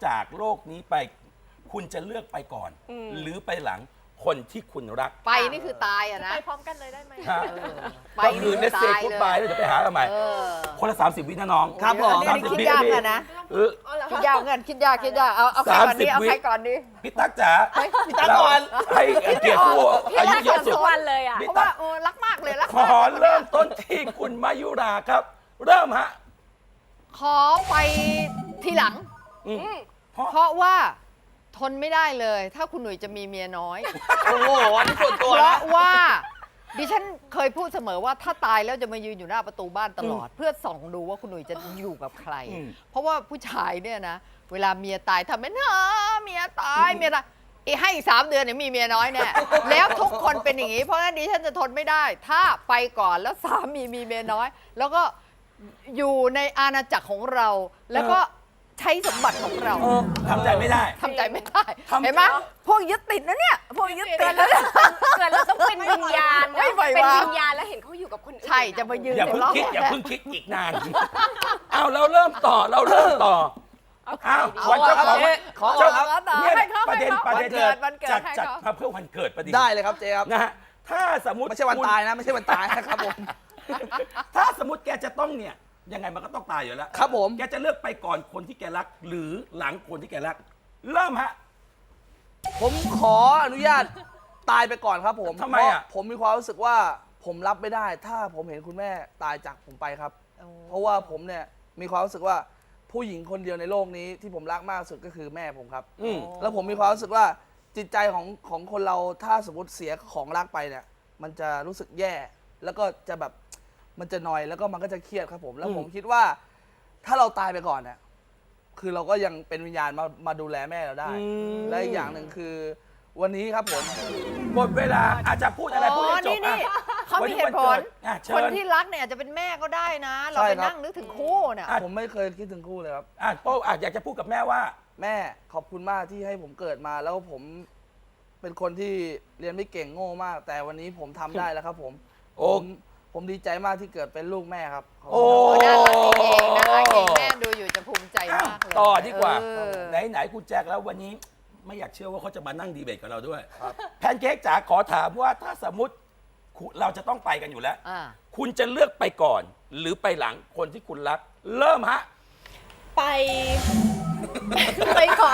จากโลกนี้ไปคุณจะเลือกไปก่อน หรือไปหลังคนที่คุณรักไปนี่คือตายอะนะไปพร้อมกันเลยได้ไหมฮะไปก็คือเนสเซ่กูดบายแล้วเดี๋ยวไปหากันใหม่คนละ30 วินะน้องครับผมอันนี้คิดยากอะนะเออคิดยากเงินคิดยากเอาใครก่อนดี 30 เอาใครก่อนดีพี่ตั๊กจ๋าพี่ตั๊กก่อนให้เกียรติผู้อายุเยอะสุดทุกวันเลยอ่ะพี่เพราะตั๊ว่าก รักมากเลยรักขมากอเริ่มต้นที่คุณมายุราครับ เริ่มฮะขอไปทีหลังอืมเพราะว่าทนไม่ได้เลย ถ้าคุณหนุ่ยจะมีเมียน้อยโอ้โหอันนี้ส่วนตัวเพนะราะว่าดิฉันเคยพูดเสมอว่าถ้าตายแล้วจะมายืนอยู่หน้าประตูบ้านตลอด เพื่อส่องดูว่าคุณหนุ่ยจะอยู่กับใคร เพราะว่าผู้ชายเนี่ยนะ เวลาเมียตายทำเป็นเมียตายเมียตายให้อีก3 เดือนเนี่ยมีเมียน้อยแน่ แล้วทุกคนเป็นอย่างนี้ เพราะฉะนั้นดิฉันจะทนไม่ได้ ถ้าไปก่อนแล้วสามีมีเมียน้อย แล้วก็อยู่ในอาณาจักรของเรา แล้วก็ใช้สมบัติของเราทำใจไม่ได้ทำใจไม่ได้เห็นไหมพวกยึดติดนะเนี่ยพวกยึดติดแล้วเนี่ยเกิดเราต้องเป็นวิญญาณไม่ไหวเป็นว่ะวิญญาณแล้วเห็นเขาอยู่กับคนอื่นใช่จะมายืนอย่าเพิ่งในรอบคิดอย่าแรกเพิ่งคิดอีกนาน เอาเราเริ่มต่อเอาวันเจ้าของขอเจ้าครับเนี่ยให้เขาประเด็นให้เขาประเด็นวันเกิดจัดให้จัดเขามาเพื่อวันเกิดประเด็นได้เลยครับเจ๊ครับนะฮะถ้าสมมติไม่ใช่วันตายนะ ไม่ใช่วันตายนะครับผมถ้าสมมติแกจะต้องเนี่ยยังไงมันก็ต้องตายอยู่แล้วครับผมแกจะเลือกไปก่อนคนที่แกรัก หรือหลังคนที่แกรัก เริ่มฮะผมขออนุญาตตายไปก่อนครับผมทำไมอะเพราผมมีความรู้สึกว่าผมรับไม่ได้ ถ้าผมเห็นคุณแม่ตายจากผมไปครับ เพราะว่าผมเนี่ยมีความรู้สึกว่าผู้หญิงคนเดียวในโลกนี้ที่ผมรักมากที่สุดก็คือแม่ผมครับอืมแล้วผมมีความรู้สึกว่าจิตใจของคนเราถ้าสมมติเสียของรักไปเนี่ย มันจะรู้สึกแย่ แล้วก็จะแบบมันจะนอยแล้วก็มันก็จะเครียดครับผม แล้วผมคิดว่าถ้าเราตายไปก่อนเนี่ยคือเราก็ยังเป็นวิญญาณมาดูแลแม่เราได้ และอีกอย่างหนึ่งคือวันนี้ครับผมหมดเวลาอาจจะพูดอะไรพูดให้จบนี่อ่ะเขามีเหตุผลอ่ะเชิญคนที่รักเนี่ยอาจจะเป็นแม่ก็ได้นะ เราใช่ไปครับนั่งนึกถึงคู่เนี่ยผมไม่เคยคิดถึงคู่เลยครับอ่ะโป้อยากจะพูดกับแม่ว่าแม่ขอบคุณมากที่ให้ผมเกิดมา แล้วผมเป็นคนที่เรียนไม่เก่งโง่มาก แต่วันนี้ผมทำได้แล้วครับผมโอ้ผมดีใจมากที่เกิดเป็นลูกแม่ครับขบโอ้คุณครับน่ารักเองแม่ดูอยู่จะภูมิใจมากเลยต่อดีกว่าเออไหนคุณแจ็คแล้ววันนี้ไม่อยากเชื่อว่าเขาจะมานั่งดีเบตกับเราด้วยแพนเค้กจ๋าขอถามว่าถ้าสมมติเราจะต้องไปกันอยู่แล้วอ่าคุณจะเลือกไปก่อน หรือไปหลังคนที่คุณรัก เริ่มฮะไป ไปก่อน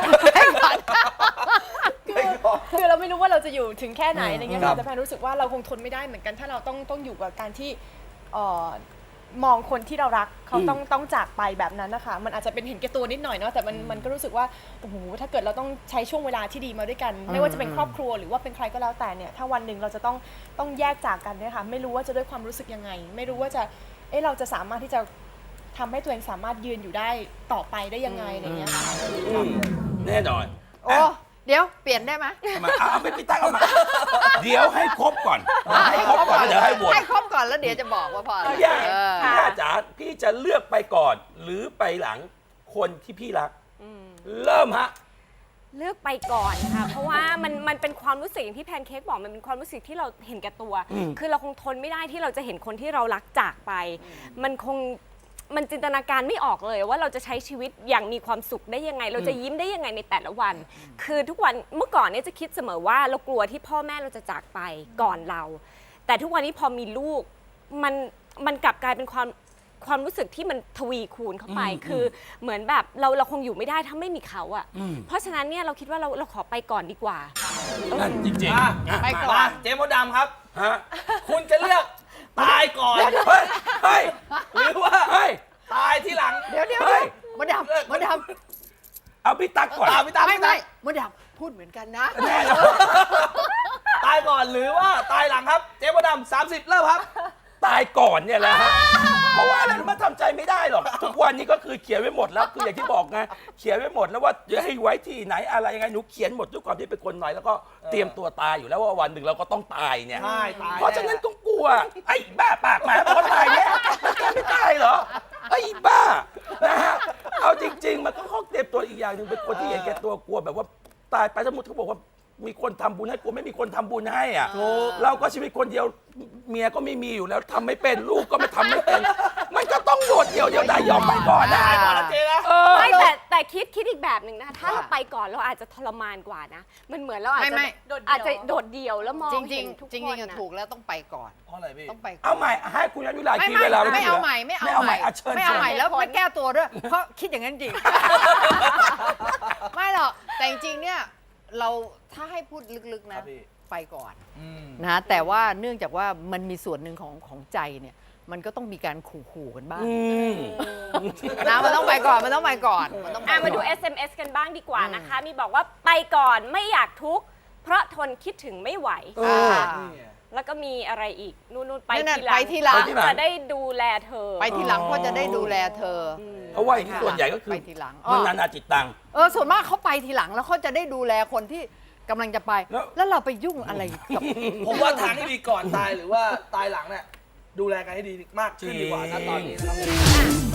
คือเราไม่รู้ว่าเราจะอยู่ถึงแค่ไหนอะไรเงี้ยครับแต่แพนรู้สึกว่าเราคงทนไม่ได้เหมือนกันถ้าเราต้องอยู่กับการที่มองคนที่เรารักเขาต้องจากไปแบบนั้นนะคะมันอาจจะเป็นเห็นแก่ตัวนิดหน่อยเนาะแต่มันก็รู้สึกว่าโอ้โหถ้าเกิดเราต้องใช้ช่วงเวลาที่ดีมาด้วยกัน ไม่ว่าจะเป็นครอบครัวหรือว่าเป็นใครก็แล้วแต่เนี่ยถ้าวันหนึ่งเราจะต้องแยกจากกันเนี่ยค่ะไม่รู้ว่าจะด้วยความรู้สึกยังไง ไม่รู้ว่าจะเราจะสามารถที่จะทำให้ตัวเองสามารถยืนอยู่ได้ต่อไปได้ยังไงอะไรเงี้ยค่ะแน่นอนโอ้เดี๋ยวเปลี่ยนได้ไหมเอาไปพี่ตั้งเอามา เดี๋ยวให้ครบก่อนให้ครบก่อนแล้วเดี๋ยวให้โหวตให้ครบก่อนแล้วเดี๋ยวจะบอกว่าพออะไรพี่ย่าเออพี่ย่าจ๋าพี่จะเลือกไปก่อน หรือไปหลังคนที่พี่รัก เริ่มฮะเลือกไปก่อนค่ะ เพราะว่ามันเป็นความรู้สึกอย่างที่แพนเค้กบอกมันเป็นความรู้สึกที่เราเห็นแก่ตัว คือเราคงทนไม่ได้ที่เราจะเห็นคนที่เรารักจากไป มันจินตนาการไม่ออกเลยว่าเราจะใช้ชีวิตอย่างมีความสุขได้ยังไง เราจะยิ้มได้ยังไงในแต่ละวัน คือทุกวันเมื่อก่อนเนี่ยจะคิดเสมอว่าเรากลัวที่พ่อแม่เราจะจากไปก่อนเรา แต่ทุกวันนี้พอมีลูกมันกลับกลายเป็นความรู้สึกที่มันทวีคูณเข้าไป คือเหมือนแบบเราคงอยู่ไม่ได้ถ้าไม่มีเขาอ่ะ เพราะฉะนั้นเนี่ยเราคิดว่าเราขอไปก่อนดีกว่านั่นจริงอ่ะๆไปก่อนมาเจ๊มดดำครับฮะคุณจะเลือกตายก่อนเฮ้ยเฮ้ยหรือว่าเฮ้ยตายที่หลังเดี๋ยวเฮ้ยมดดำมดดเอาพี่ตั๊กก่อนพี่ตามำไม่พี่ตามมดดำพูดเหมือนกันนะแน่นอนตายก่อนหรือว่าตายหลังครับ เจ๊มดดำ30เริ่มครับตายก่อนเนี่ยแหละฮะ เพราะว่าอะไรรู้ไหมันทำใจไม่ได้หรอก ทุกวันนี้ก็คือเขียนไว้หมดแล้ว คืออย่างที่บอกไง เขียนไว้หมดแล้วว่าจะให้ไว้ที่ไหนอะไรยังไง หนูเขียนหมดด้วยความที่เป็นคนหน่อยแล้วก็เตรียมตัวตายอยู่แล้วว่าวันหนึ่งเราก็ต้องตายเนี่ยใช่ตายเพราะฉะนั้นก็กลัว ไอ้บ้าปากหมาบอกว่าตายเนี่ยมันแกไม่ตายเหรอ ไอ้บ้า นะฮะ เอาจริง ๆ มันก็เขาเตรียมตัวอีกอย่างหนึ่งเป็นคนที่เห็นแก่ตัวกลัวแบบว่าตายไปสมมติเขาบอกว่ามีคนทำบุญให้กลัวไม่มีคนทำบุญให้อ่ะ เราก็ชีวิตคนเดียวเมียก็ไม่มีอยู่แล้วทำไม่เป็นลูกก็ไม่ทำไม่เป็น มันก็ต้องโดดเดี่ยวได้ยอมไปก่อนนะตายก่อนนะเจ๊นะไม่แต่คิดอีกแบบหนึ่งนะคะถ้าเราไปก่อนเราอาจจะทรมานกว่านะมันเหมือนเราอาจจะไม่อาจจะโดดเดี่ยวแล้วมองจริเห็งนทุกๆจริงคนๆอะนะถูกแล้วต้องไปก่อนเพราะอะไรพี่ต้องไปก่อนเอาใหม่ให้คุณยันยุราไม่คิดเวลาไม่เอาใหม่ไม่เอาใหม่ะเชิญไม่เอาใหม่ชิญแล้วไม่แก้ตัวด้วย เพราะคิดอย่างนั้นจริง ไม่หรอกแต่จริงๆเนี่ยเราถ้าให้พูดลึกๆครันะบพี่ไปก่อนอืมนะแต่ว่าเนื่องจากว่ามันมีส่วนหนึ่งของใจเนี่ยมันก็ต้องมีการขู่ๆกันบ้างอืมนะมันต้องไปก่อนมันต้องไปก่อนมันต้องไปมาดูก่อน SMS กันบ้างดีกว่านะคะ มีบอกว่าไปก่อนไม่อยากทุกข์เพราะทนคิดถึงไม่ไหวอ่านี่ไงแล้วก็มีอะไรอีกนู่นๆไปนั่นทีน่ะหลังไปทีหลังจะได้ดูแลเธอไปทีหลังเพราะจะได้ดูแลเธออเพราะว่าอย่างที่ส่วนใหญ่ก็คือไปทีหลังมันนานาจิตตังส่วนมากเขาไปทีหลังแล้วเขาจะได้ดูแลคนที่กำลังจะไป แล้วเราไปยุ่งอะไรกับผมว่าทางที่ดีก่อนตายหรือว่าตายหลังเนี่ยดูแลกันให้ดีมากขึ้นดีกว่านะตอนนี้นะครับ